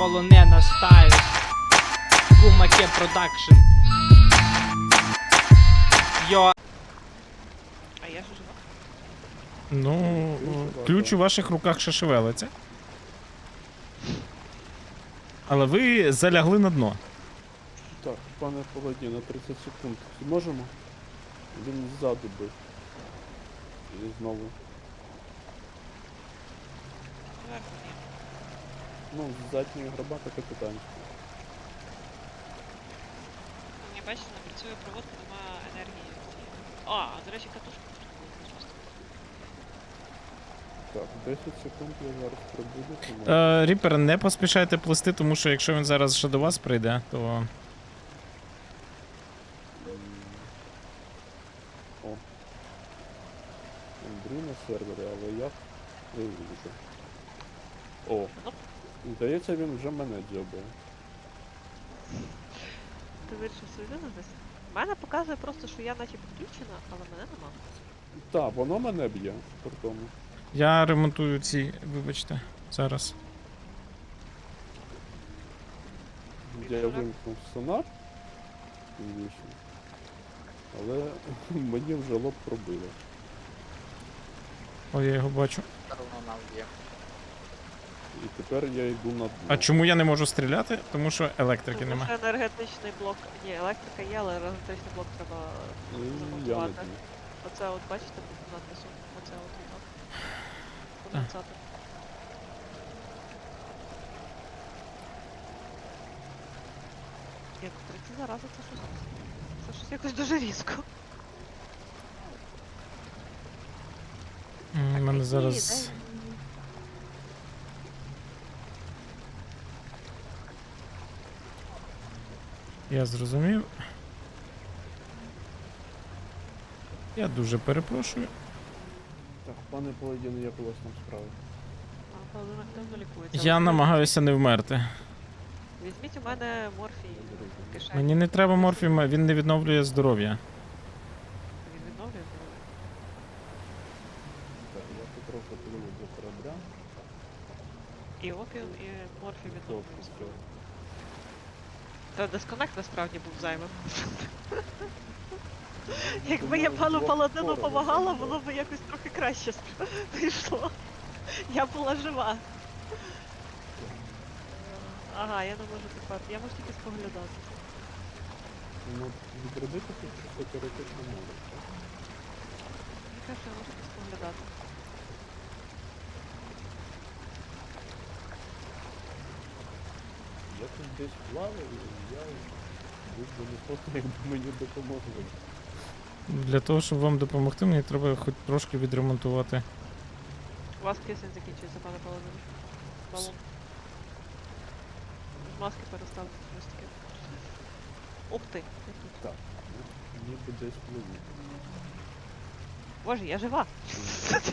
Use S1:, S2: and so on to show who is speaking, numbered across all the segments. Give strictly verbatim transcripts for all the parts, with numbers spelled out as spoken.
S1: полонена стайл. Кумаке продакшн. Йо.
S2: А я ж жива.
S3: Ну, ключ у ваших руках ще шевелиться. Але ви залягли на дно.
S4: Так, пане Паладі, на тридцять секунд. Зможемо? Він ззаду бив. І знову.
S2: Зверху ні.
S4: Ну, з задньої гробата капітанська.
S2: Ні, бачите, не працює проводка, нема енергії. А, до речі, катушка потрібна просто.
S4: Так, десять секунд я зараз прибуду, тому...
S3: Е, Ріпер, не поспішайте плисти, тому що якщо він зараз ще до вас прийде, то.
S4: М. О. Андрій на сервері, але я вивіжу. О. Здається, він вже мене дзьобає.
S2: Ти вирішив свою десь? У мене показує просто, що я наче підключена, але мене нема.
S4: Так, воно мене б'є, при тому.
S3: Я ремонтую ці, вибачте, зараз.
S4: Я вимкнув сонар, звісно, але мені вже лоб пробило.
S3: О, я його бачу.
S4: І тепер я йду на дно.
S3: А чому я не можу стріляти? Тому що електрики
S2: Тому
S3: нема.
S2: що енергетичний блок. Ні, електрика є, але енергетичний блок треба
S4: І я не
S2: замонтувати.
S4: знаю.
S2: Оце от бачите під надписом? Оце от воно. Конденсатор. Ні, третя зараза, це щось. Це щось якось дуже різко.
S3: М, У
S2: Так,
S3: мене
S2: які,
S3: зараз.
S2: дай-
S3: Я зрозумів. Я дуже перепрошую.
S4: Так, пане Паладін, як у вас там справи?
S2: А, Павло активно лікується.
S3: Я
S2: Але
S3: намагаюся не вмерти.
S2: Візьміть у мене морфій в кишені.
S3: Мені не треба морфій, він не відновлює здоров'я.
S2: Він відновлює здоров'я.
S4: Так, я потроху пливу до корабля.
S2: І опіум, і морфій
S4: Добре,
S2: відновлює
S4: все.
S2: здоров'я. Та дисконект насправді був зайвим. Якби я пану Паладину помагала, воно б якось трохи краще спр- вийшло. Я була жива. Ага, я не можу тепер. Я можу тільки споглядати.
S4: Ну, відродити тут чисто теоретично можу, так?
S2: Мені каже, я можу тільки споглядати.
S4: Я тут десь плаваю, і я був би не проти, якби мені допомогли.
S3: Для того, щоб вам допомогти, мені треба хоч трошки відремонтувати.
S2: У вас кисень закінчується, пане Паладин. Балон. З маски переставити щось таке. Ух ти, я тут.
S4: Так, ну, ніби десь пливу.
S2: Боже, я жива.
S4: Так?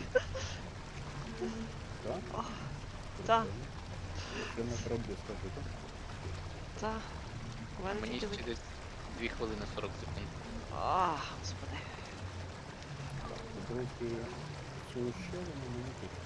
S2: Ох, так.
S4: Ще на кораблі скажи, так?
S2: Та. У мене
S5: Мені
S2: тільки...
S5: ще десь дві хвилини сорок секунд.
S2: А, господи.
S4: Так, потрохи цю щелину мені точно.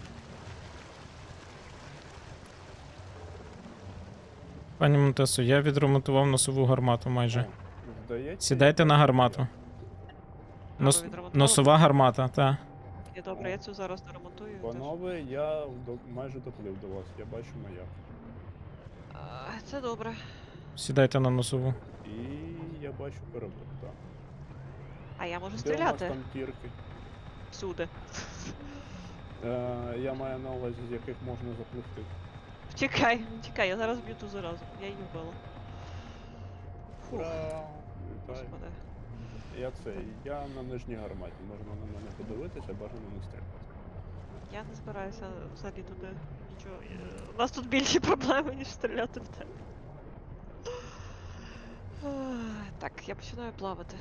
S3: Пані Монтесо, я відремонтував носову гармату майже.
S4: О, здається,
S3: Сідайте
S4: я
S3: на
S4: бачу,
S3: гармату.
S4: як.
S3: Нос...
S2: ви відремонтували?
S3: Носова гармата, та.
S2: Я добре, я цю зараз доремонтую. теж.
S4: Панове, я до... майже доплив до вас, я бачу маяк.
S2: А, це добре.
S3: Сідайте на носову.
S4: І я бачу корабель, так.
S2: А я можу
S4: Де у нас
S2: стріляти
S4: там тірки?
S2: всюди.
S4: Е, я маю на увазі, з яких можна запливти.
S2: Чекай, чекай, я зараз б'ю ту заразу. Я її вбила. Фух,
S4: Ура! Вітаю.
S2: господи.
S4: Я це, я на нижній гарматі, можна на мене подивитися, бажано не стріляти.
S2: Я не збираюся взагалі туди нічого. е, У нас тут більші проблеми, ніж стріляти в тебе. Ах, Так, я починаю плавати.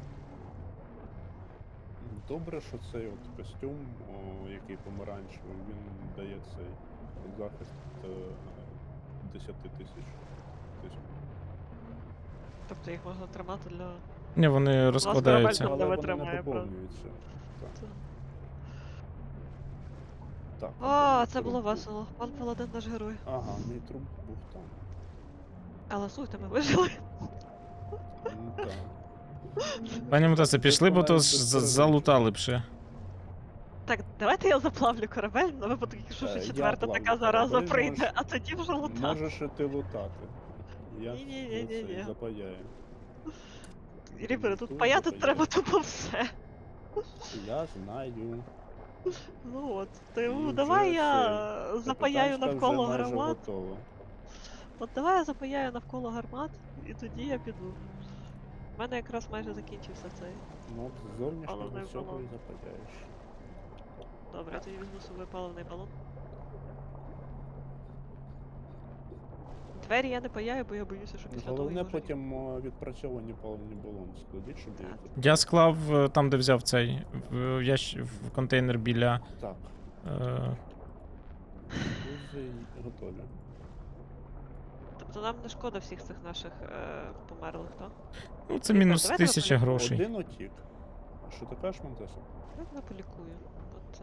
S4: Добре, що цей от костюм, о, який помаранчевий, він дає цей захист е, десять тисяч. Тобто,
S2: Тобто їх можна тримати для...
S3: Ні, вони розкладаються.
S2: корабель
S4: але вони
S2: витримає,
S4: не
S2: правда.
S4: поповнюються. Так.
S2: Це-
S4: Так.
S2: О,
S4: мій
S2: це
S4: труп
S2: було
S4: був.
S2: весело. Пан Паладин наш герой.
S4: Ага, мій труп був там.
S2: Але слухайте, ми вижили.
S4: Ну так.
S3: Пані Мотеса, пішли, бо то
S4: навіть
S3: ж
S4: без
S3: за-
S4: перерив.
S3: залутали б ще.
S2: Так, давайте я заплавлю корабель, на випадок, якщо
S4: Е,
S2: ще
S4: я
S2: четверта
S4: плавлю
S2: така зараза
S4: корабель,
S2: прийде,
S4: можеш-
S2: а тоді вже лутати.
S4: Можеш і ти лутати. Я
S2: Ні-ні-ні-ні-ні.
S4: за це запаяю.
S2: Ріпери, тут
S4: Тут
S2: паяти
S4: запаяю.
S2: треба тупо все.
S4: Я знаю.
S2: Ну от,
S4: І
S2: тому
S4: вже
S2: давай я
S4: цей,
S2: запаяю
S4: капітанська
S2: навколо
S4: вже майже
S2: гармат.
S4: готова.
S2: От давай я запаяю навколо гармат, і тоді я піду. У мене якраз майже закінчився цей.
S4: Ну, от з зовнішнього
S2: Паливний
S4: всього
S2: балон.
S4: і запаяєш.
S2: Добре, я тоді візьму з собою паливний балон. Двері я не паяю, бо я боюся, що після того
S4: Головне
S2: їх може
S4: потім о, відпрацьовані паливні балони складіть, щоб
S2: Так.
S4: їх...
S3: Я склав е, там, де взяв цей, в, ящ... в контейнер біля.
S4: Так,
S3: Е...
S4: друзі готові.
S2: Тобто нам не шкода всіх цих наших е, померлих, так?
S3: Ну, це
S2: Ріпер,
S3: мінус
S2: давайте ви
S3: тисяча
S2: полі-
S3: грошей.
S4: Один утік. Що ти кажеш, Монтесо?
S2: Я тебе полікую. От це.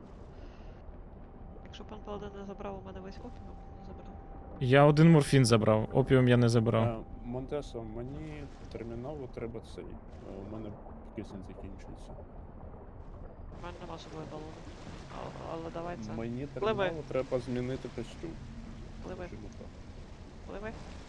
S2: Якщо пан Паладин не забрав у мене весь опіум, не забрав.
S3: Я один морфін забрав, опіум я не забрав.
S4: Е, Монтесо, мені терміново треба цей. Е, У мене кисень закінчується.
S2: У мене нема з собою балону. Але, але давай це.
S4: Мені
S2: Пливи.
S4: терміново треба змінити костюм.
S2: Пливи,
S4: Скажімо так.
S2: пливи.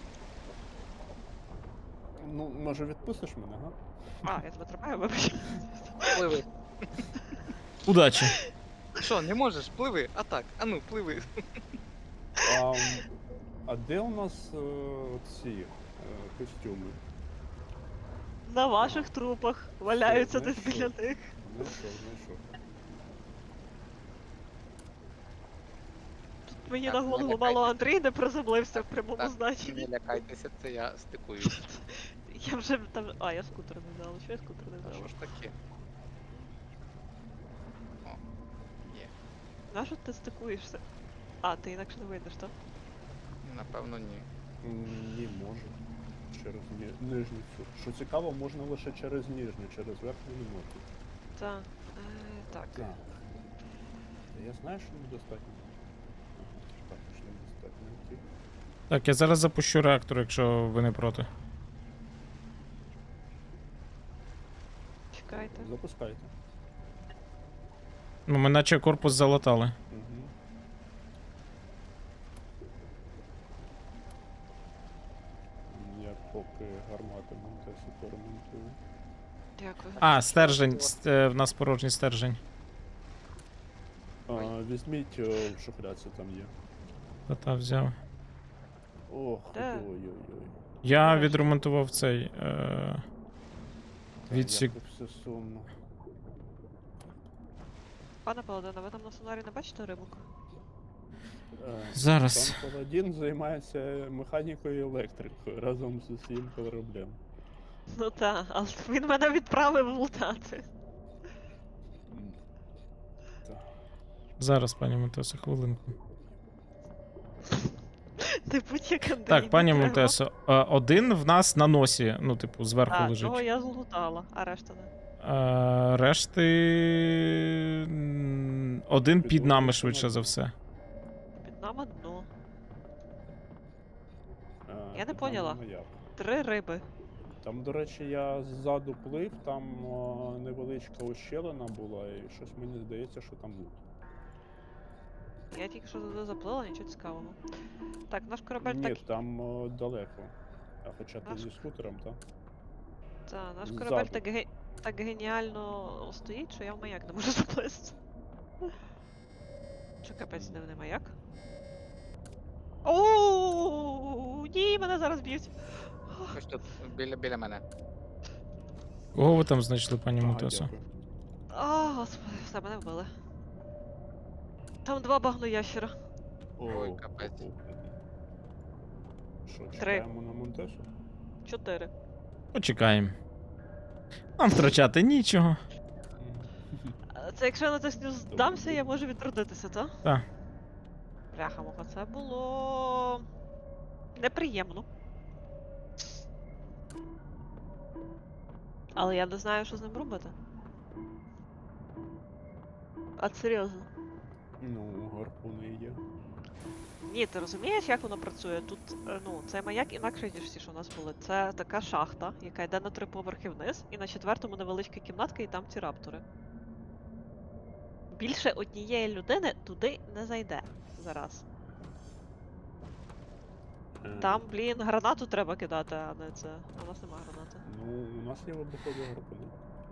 S4: Ну, може відпустиш мене, га?
S2: А, я тебе тримаю, вибач.
S5: Пливи.
S3: Удачі!
S5: Що, не можеш? Пливи. А так, а ну, пливи.
S4: А, м, а де у нас е, ці е, костюми?
S2: На ваших трупах валяються
S4: Все,
S2: десь
S4: знайшов.
S2: біля них.
S4: Знайшов, знайшов.
S2: Тут мені
S5: Так,
S2: на
S5: не
S2: голову
S5: лякайтесь.
S2: мало Андрій не приземлився в прямому
S5: Так,
S2: значенні.
S5: Не лякайтеся, це я стикуюсь.
S2: Я вже там. А, я скутер не взяла. Що я скутер не
S5: А
S2: взяла?
S5: що ж таке? О, є.
S2: На що ти стикуєшся? А, ти інакше не вийдеш, так?
S5: Напевно, ні.
S4: М, Ні, можу. Через ні- нижню цю. Що цікаво, можна лише через нижню, через верхню не можна.
S2: Так. Е, так.
S4: Так. Я знаю, що недостатньо. Ага, так, що недостатньо. Окей.
S3: Так, я зараз запущу реактор, якщо ви не проти.
S2: Чекайте.
S4: Запускайте.
S3: Ну, ми наче корпус залатали.
S4: Угу. Я поки гармати Монтесу поремонтую.
S2: Дякую.
S3: А, стержень. ст- е, В нас порожній стержень.
S4: А, візьміть о, в шухляці, там є.
S3: Та-та взяв.
S4: Ох,
S2: Де?
S4: ой-ой-ой.
S3: Я
S2: Нарешті.
S3: відремонтував цей. Е... Відсік.
S4: Як це все сумно.
S2: Пане Паладине, ви там на сонарі не бачите рибок?
S4: Е,
S3: Зараз.
S4: Пан Паладін займається механікою і електрикою разом з усім кораблем.
S2: Ну так, але він мене відправив лутати.
S4: М. Так.
S3: Зараз, пані Монтесо, хвилинку.
S2: Ти будь-як Андрій.
S3: Так, пані
S2: не треба.
S3: Монтесо, е, один в нас на носі, ну, типу, зверху
S2: А,
S3: лежить.
S2: того я злутала, а решта не.
S3: Е, решти. м, Один під
S4: Підводиться
S3: нами
S4: на
S3: швидше за
S4: дно.
S3: все.
S2: Під нами дно.
S4: Е,
S2: Я не
S4: там
S2: поняла.
S4: воно як.
S2: Три риби.
S4: Там, до речі, я ззаду плив, там о, невеличка ущелина була, і щось мені здається, що там лут.
S2: Я тільки що туди заплила, нічого цікавого. Так, наш корабель
S4: Ні,
S2: так.
S4: там о, далеко. А хоча ти
S2: Наш-
S4: зі скутером, так?
S2: Та, наш
S4: ззаду.
S2: корабель так, ге... так геніально стоїть, що я в маяк не можу заплисти. Що капець дивний маяк? Ооо, ні, мене зараз б'ють.
S5: Ось тут, біля, біля мене.
S3: Кого ви там знайшли, пані
S4: Ага,
S3: Монтесо?
S4: дякую.
S2: А, господи, все, мене вбили. Там два багноящера.
S5: Ой,
S4: О,
S5: капець.
S4: о, о. Що,
S2: Три.
S4: чекаємо на Монтесу?
S2: Чотири.
S3: Почекаємо. Нам втрачати нічого.
S2: А Це якщо я на це здамся, я можу відродитися, так?
S3: Так.
S2: Бляха муха, це було неприємно. Але я не знаю, що з ним робити. А серйозно.
S4: Ну, гарпуни є.
S2: Ні, ти розумієш, як воно працює? Тут, е, ну, цей маяк інакше, ніж всі, що у нас були. Це така шахта, яка йде на три поверхи вниз, і на четвертому невеличка кімнатка, і там ці раптори. Більше однієї людини туди не зайде зараз.
S4: Е,
S2: Там, блін, гранату треба кидати, а не це. А у нас нема гранати.
S4: Ну, у нас є вибухові гарпуни.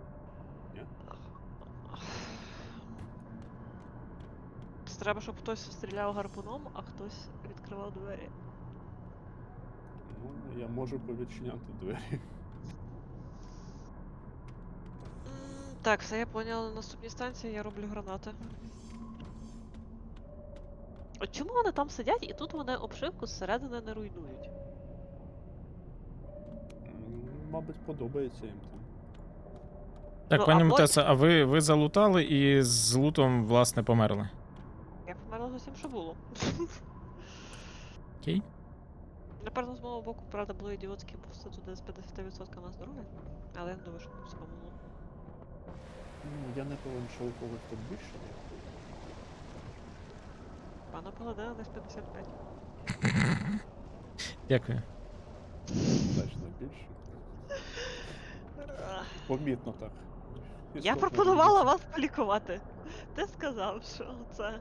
S2: Це треба, щоб хтось стріляв гарпуном, а хтось відкривав двері.
S4: Ну, я можу повідчиняти двері.
S2: М, Так, все я поняла. На наступній станції я роблю гранати. От чому вони там сидять і тут вони обшивку зсередини не руйнують?
S4: М, Мабуть, подобається їм там.
S3: Так,
S2: Ну,
S3: пані
S2: або-
S3: Мутеса, а ви, ви залутали і з лутом, власне, померли.
S2: Я померла з усім, що було.
S3: Окей?
S2: Напевно, з мого боку, правда, було ідіотське просто туди з п'ятдесят відсотків на здоров'я. Але я не думаю, що мені все помогло.
S4: Ну, я не певен, що у когось тут більше є.
S2: Пана Паладина десь п'ятдесят п'ять.
S3: Дякую.
S4: Значно більше. Помітно так.
S2: Я
S4: Істотно
S2: пропонувала
S4: різниця.
S2: вас полікувати. Ти сказав, що це.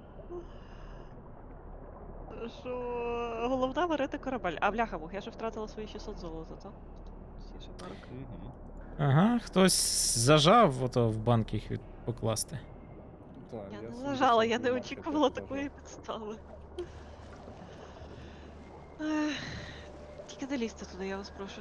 S2: Що головне варити корабель. А бляха мух, я ж втратила свої шістсот золота, то? Всі шамарок.
S4: Мгм.
S3: Ага, хтось зажав ото в банк їх від... покласти.
S4: Так,
S2: Я не
S4: сімдесят
S2: лежала, я не
S4: дванадцять
S2: очікувала
S4: теж
S2: такої
S4: вважав.
S2: підстави. Ех, Тільки не лізьте туди, я вас прошу.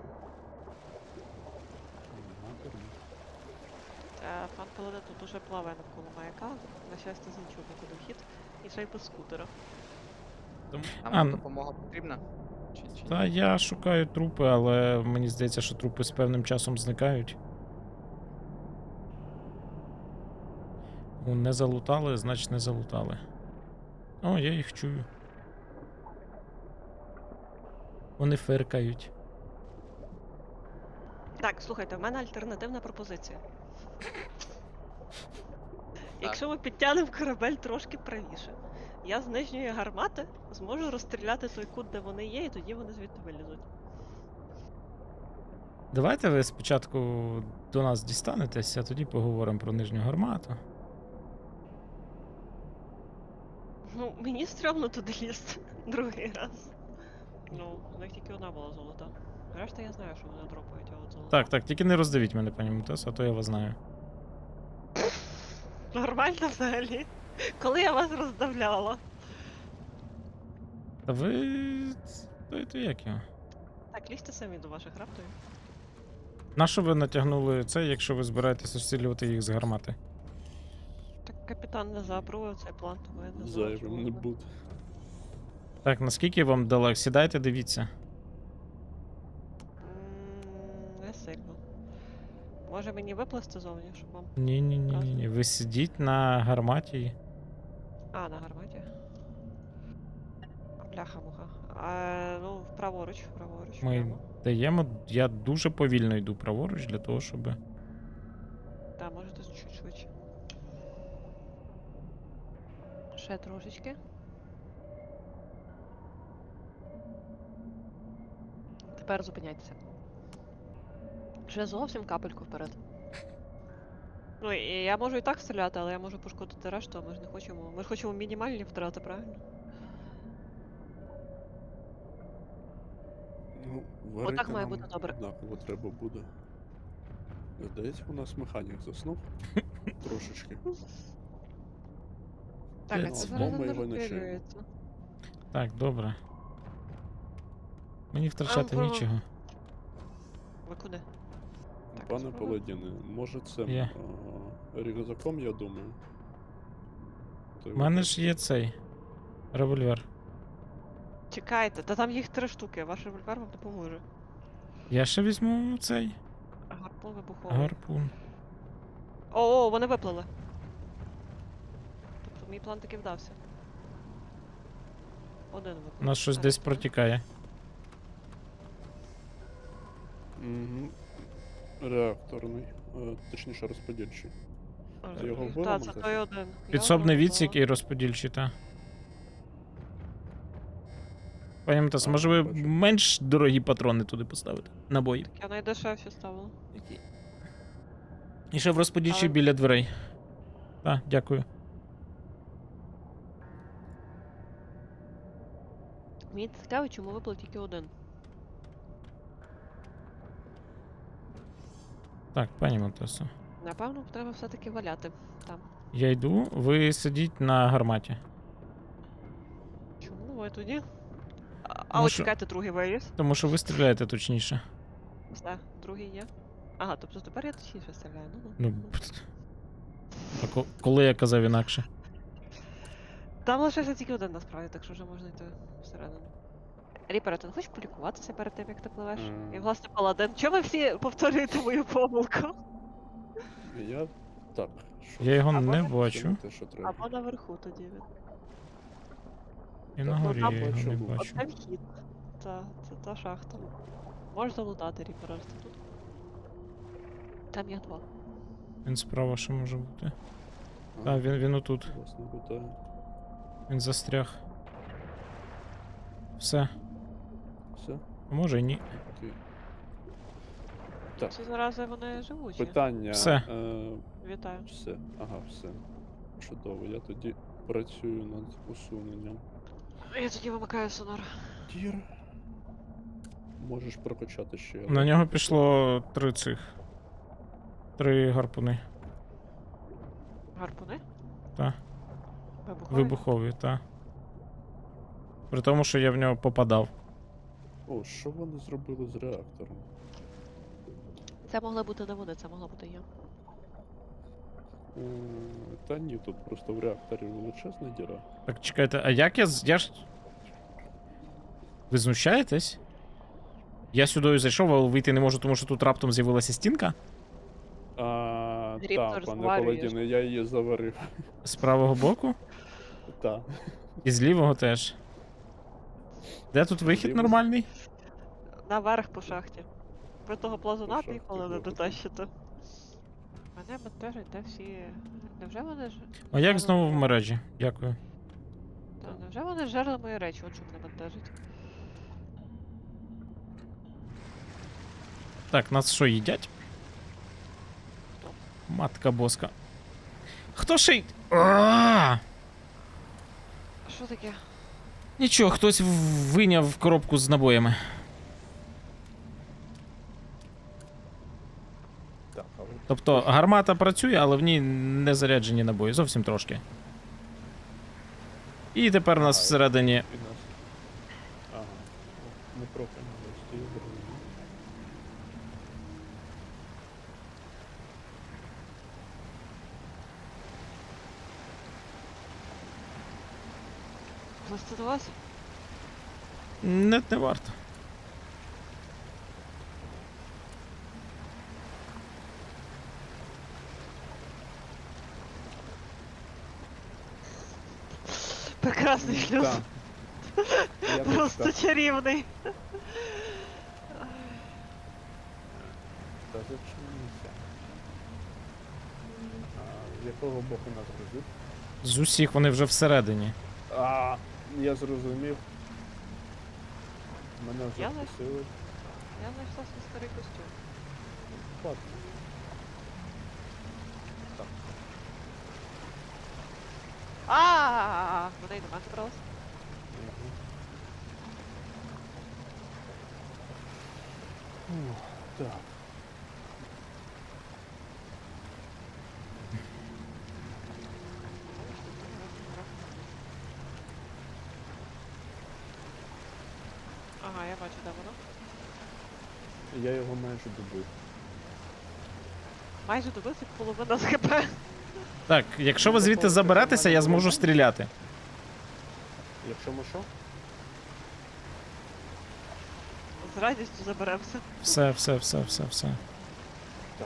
S4: Ага, термін.
S2: Е, Пан Паладин тут уже плаває навколо маяка, на щастя, з іншого боку вхід, і ще й без скутера.
S5: Нам
S3: А, н-
S5: допомога потрібна? Чи, чи
S3: Та
S5: ні?
S3: я шукаю трупи, але мені здається, що трупи з певним часом зникають. Ну, не залутали, значить не залутали. О, я їх чую. Вони фиркають.
S2: Так, слухайте, в мене альтернативна пропозиція. Якщо ми підтягнемо корабель трошки правіше, я з нижньої гармати зможу розстріляти той кут, де вони є, і тоді вони звідти вилізуть.
S3: Давайте ви спочатку до нас дістанетесь, а тоді поговоримо про нижню гармату.
S2: Ну, мені стрьомно туди лізти другий раз. Ну, в них тільки одна була золота. Решта я знаю, що вони дропають, а от золота.
S3: Так, так, тільки не роздавіть мене, пані Мутес, а то я вас знаю.
S2: Нормально взагалі. Коли я вас роздавляла.
S3: Та ви. То, то як його?
S2: Так, лізьте самі до ваших рапторів.
S3: Нащо ви натягнули це, якщо ви збираєтесь розстрілювати їх з гармати?
S2: Так капітан не заапрував цей план, тому я не знаю.
S4: Зайвим не буде.
S3: Так, наскільки вам далеко? Сідайте, дивіться.
S2: Не сильно. Може мені виплисти зовні, щоб вам.
S3: Ні, ні, ні, ні, ні. Ви сидіть на гарматі.
S2: А, на гарматі. Бляха-муха. А, ну, праворуч, праворуч.
S3: Ми
S2: прямо.
S3: даємо. Я дуже повільно йду праворуч для того, щоб.
S2: Так, можете чуть швидше. Ще трошечки. Тепер зупиняйтеся. Ще зовсім капельку вперед. Ну, і я можу і так стріляти, але я можу пошкодити решту, а ми ж не хочемо. Ми ж хочемо мінімальні втрати, правильно?
S4: Ну,
S2: Отак
S4: варити
S2: має
S4: нам
S2: бути добре.
S4: однаково треба буде. Здається, у нас механік заснув. Трошечки.
S2: Так, а
S3: Ну,
S2: це
S3: або
S2: зараз
S4: ми
S2: не
S4: його не чуємо.
S2: розстрілюється.
S3: Так, добре. Мені втрачати
S2: Ага.
S3: нічого.
S2: Ви куди? Так,
S4: Пане
S2: спробуй.
S4: Паладіне, може це
S3: Є.
S4: рюкзаком, я думаю. Той
S3: У мене
S4: от-
S3: ж є цей револьвер.
S2: Чекайте, та там їх три штуки, ваш револьвер вам допоможе.
S3: Я ще візьму цей
S2: Гарпун вибуховий.
S3: гарпун.
S2: О, о, вони виплили. Тобто мій план таки вдався. Один виплив.
S3: У нас щось
S2: Так,
S3: десь
S2: так.
S3: протікає.
S4: Мгм. Реакторний, е, точніше розподільчий. А його вбили
S2: Так, це
S4: магазин?
S2: той один. Я
S3: Підсобний
S2: його
S3: відсік
S2: вбила.
S3: і розподільчий, та. Пані Матас, може ви
S4: Бачу.
S3: менш дорогі патрони туди поставите? Набої.
S2: Я найдешевші ставила.
S3: І ще в розподільчий
S2: Але-
S3: біля дверей. Так, дякую.
S2: Мені цікаво, чому випав тільки один.
S3: Так, пані Матасо.
S2: Напевно, треба все-таки валяти там.
S3: Я йду, ви сидіть на гарматі.
S2: Чому ви тоді? А, а
S3: Тому
S2: от
S3: що-
S2: чекайте, другий виліз.
S3: Тому що ви стріляєте точніше.
S2: Все, другий є. Ага, тобто тепер я точніше стріляю. Ну,
S3: Ну,
S2: ну.
S3: пт. А ко- коли я казав інакше?
S2: Там лишився тільки один насправді, так що вже можна йти всередину. Ріпер, ти не хочеш полікуватися перед тим, як ти пливеш?
S4: Ем.
S2: І власне паладин. Чому ви всі повторюєте мою помилку?
S4: Я так. що
S3: Я його
S2: Або
S3: не
S2: не
S3: бачу.
S4: це те, що треба.
S2: Або наверху тоді він.
S3: І на
S4: Так, ну,
S3: горі
S2: там
S3: я його не
S4: бачу.
S3: бачу.
S2: Оце вхід. Та, це та шахта. Можеш залутати ріпера ось тут. Там є два.
S3: Він справа ще може бути.
S4: А,
S3: Так, він, він отут.
S4: Власне, питаю.
S3: Він застряг. Все.
S4: Все?
S3: А може і ні.
S4: Окей. Так,
S2: Ці зарази вони живучі.
S4: питання.
S3: Все.
S4: Е,
S2: Вітаю.
S4: все. Ага, все. Чудово. Я тоді працюю над усуненням.
S2: Я тоді вимикаю сонар.
S4: Тір. Можеш прокачати ще.
S3: На нього пішло три цих. Три гарпуни.
S2: Гарпуни?
S3: Та.
S2: Вибухові?
S3: Вибухові, та. При тому, що я в нього попадав.
S4: О, що вони зробили з реактором?
S2: Це могла бути не вони, це могла бути я.
S4: Е, Та ні, тут просто в реакторі величезна діра.
S3: Так, чекайте, а як я з. Я ж. Ви знущаєтесь? Я сюди зайшов, але вийти не можу, тому що тут раптом з'явилася стінка.
S4: А,
S2: Ріптор
S4: та, пане
S2: зварюєш.
S4: Паладіне, я її заварив.
S3: З правого боку.
S4: Та.
S3: І з лівого теж. Де тут вихід
S4: Лівий.
S3: нормальний?
S2: Наверх по шахті. Ви того плазуна
S4: шахті
S2: ніколи не
S4: добре.
S2: дотащите. Мене бентежить, де всі. Невже вони ж.
S3: А як
S2: зжерли
S3: знову в
S2: мої-
S3: мережі? Дякую.
S2: Та, невже вони жерли мої речі, от що мене бентежить.
S3: Так, нас що, їдять?
S2: Хто?
S3: Матка боска. Хто ще й. А!
S2: А що таке?
S3: Нічого, хтось в- вийняв коробку з набоями.
S4: Так, але
S3: Тобто гармата працює, але в ній не заряджені набої, зовсім трошки. І тепер у нас
S4: Ага,
S3: всередині.
S4: і нас. Ага. Не проти не стою зрозумів.
S2: Плести до вас?
S3: Не, не варто.
S2: Прекрасний шлюз.
S4: Так. Я теж
S2: Просто
S4: так.
S2: чарівний.
S4: Та зачинися. А, з якого боку нас гризуть?
S3: З усіх вони вже всередині.
S4: А, я зрозумів. Мене вже
S2: Я не-
S4: вкусили.
S2: Я знайшла свій старий костюм.
S4: Ладно. Так.
S2: А, вони й до мене добралися.
S4: Ух, так.
S2: Ага, я бачу, де воно.
S4: Я його майже добив.
S2: Майже добився половина з хп.
S3: Так, якщо ви звідти заберетеся, я зможу стріляти.
S4: Якщо ми що?
S2: З радістю заберемося.
S3: Все, все, все, все, все.
S4: Так.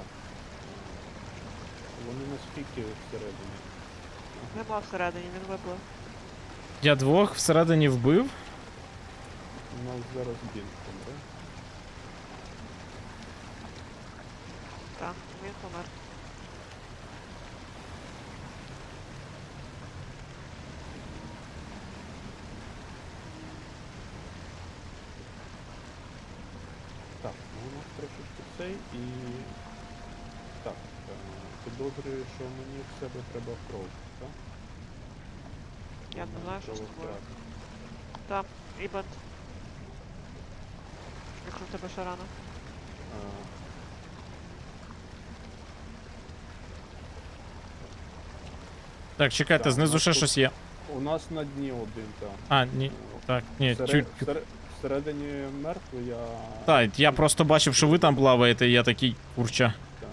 S4: Вони наскільки всередині?
S2: Нема всередині, він виплив.
S3: Я двох всередині вбив.
S4: У нас зараз бінт помре.
S2: Так, він помер.
S4: трошечки цей і. Так, е, підозрюю, що мені в себе треба кров, так?
S2: Я не знаю, що з тобою.
S4: Крововтрата.
S2: Там, і бент. Якщо в тебе ще рано.
S4: Е,
S3: Так, чекайте,
S4: Так,
S3: знизу
S4: ну,
S3: ще
S4: тут-
S3: щось є.
S4: У нас на дні один, так.
S3: А, ні. Так, ні,
S4: Всере-
S3: чуть.
S4: всере- Всередині мертвий я.
S3: Так, я просто бачив, що ви там плаваєте, і я такий курча.
S4: Так.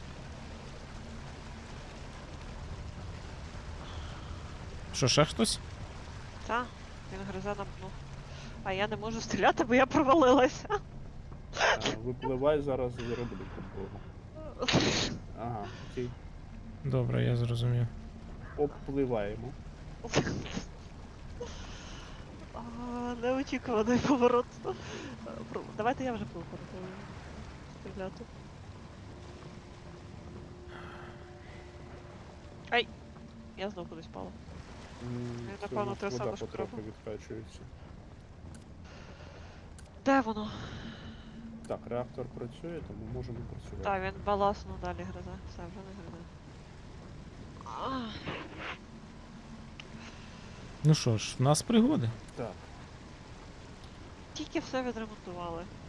S3: Що, ще хтось?
S2: Та, він гризе на дну. А я не можу стріляти, бо я провалилася.
S4: Е, Випливай зараз зароблю підбогу. Ага, окей.
S3: Добре, я зрозумів.
S4: Обпливаємо.
S2: А, неочікуваний поворот. Е, про- Давайте я вже буду стріляти. Ай! Я знов кудись впала.
S4: М,
S2: Я,
S4: це
S2: напевно,
S4: у нас
S2: те
S4: вода
S2: саме, що
S4: потроху
S2: треба.
S4: відкачується.
S2: Де воно?
S4: Так, реактор працює, тому можемо працювати.
S2: Так, він баласно далі гризе. Все, вже не гризе. А,
S3: Ну що ж, в нас пригоди.
S4: Так.
S2: Тільки все відремонтували.